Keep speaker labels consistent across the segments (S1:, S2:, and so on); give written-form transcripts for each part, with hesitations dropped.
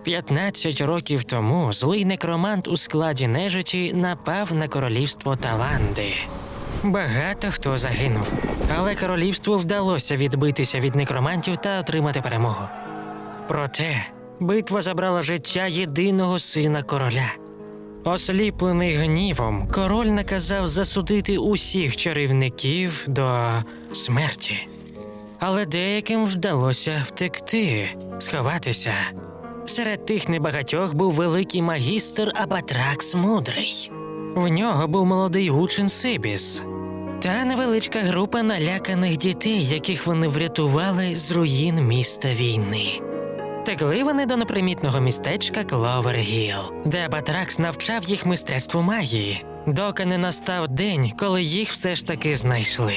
S1: 15 років тому злий некромант у складі нежиті напав на королівство Таланди. Багато хто загинув, але королівству вдалося відбитися від некромантів та отримати перемогу. Проте битва забрала життя єдиного сина короля. Осліплений гнівом, король наказав засудити усіх чарівників до смерті. Але деяким вдалося втекти, сховатися. Серед тих небагатьох був великий магістр Абатракс Мудрий. В нього був молодий учень Сибіс та невеличка група наляканих дітей, яких вони врятували з руїн міста війни. Текли вони до непримітного містечка Кловер-Гілл, де Абатракс навчав їх мистецтву магії, доки не настав день, коли їх все ж таки знайшли.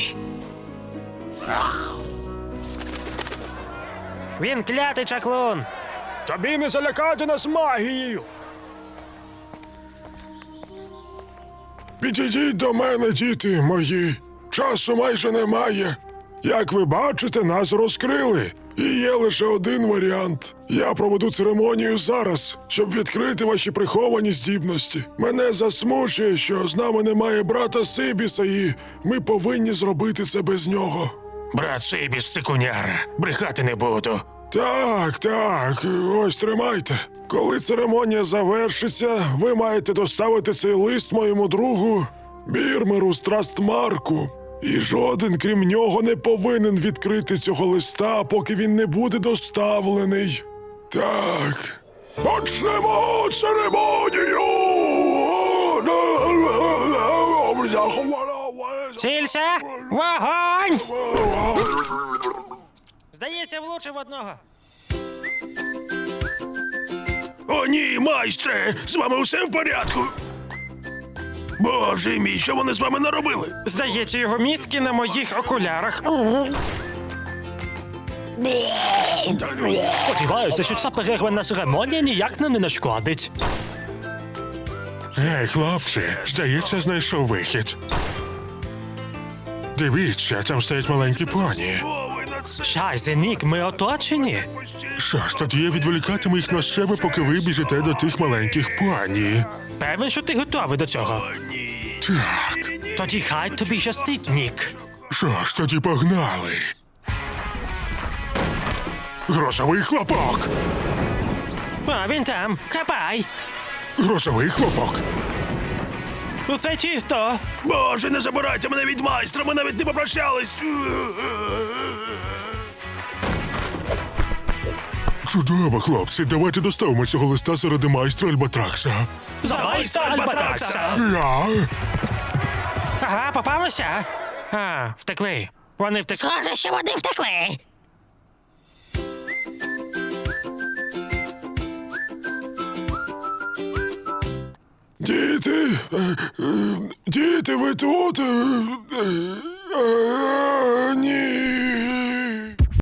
S1: Він клятий чаклун!
S2: Тобі не залякати нас магією! Підійдіть до мене, діти мої. Часу майже немає. Як ви бачите, нас розкрили. І є лише один варіант. Я проведу церемонію зараз, щоб відкрити ваші приховані здібності. Мене засмучує, що з нами немає брата Сибіса, і ми повинні зробити це без нього.
S3: Брат Сибіс – цикуняра. Брехати не буду.
S2: Так, ось тримайте. Коли церемонія завершиться, ви маєте доставити цей лист моєму другу Бірмеру Страстмарку. І жоден, крім нього, не повинен відкрити цього листа, поки він не буде доставлений. Так, почнемо церемонію!
S1: Цілься! Вогонь! Здається, влучив одного.
S3: О ні, майстре! З вами усе в порядку? Боже мій, що вони з вами наробили?
S1: Здається, його мізки на моїх окулярах. Сподіваюся, що ця перервана церемонія ніяк нам не нашкодить.
S2: Гей, хлопці, здається, знайшов вихід. Дивіться, там стоять маленькі поні.
S3: О, ви на це...
S1: Шайзе, Нік, ми оточені.
S2: Що ж, тоді я відволікатиму їх на себе, поки ви біжите до тих маленьких поні.
S1: Певен, що ти готовий до цього?
S3: О, ні.
S2: Так,
S1: Тоді хай тобі щастить, Нік.
S2: що ж, тоді погнали. Грозовий хлопок!
S1: А, він там. Хапай.
S2: Грозовий хлопок!
S1: Усе чисто.
S3: Боже, не забирайте мене від майстра, ми навіть не попрощались.
S2: Чудово, хлопці, давайте доставимо цього листа заради майстра Альбатракса.
S1: За майстра Альбатракса.
S2: Я?
S1: Ага, попалося. А, втекли. Вони втекли.
S4: Схоже, що вони втекли.
S2: Діти, діти, ви тут? Ні.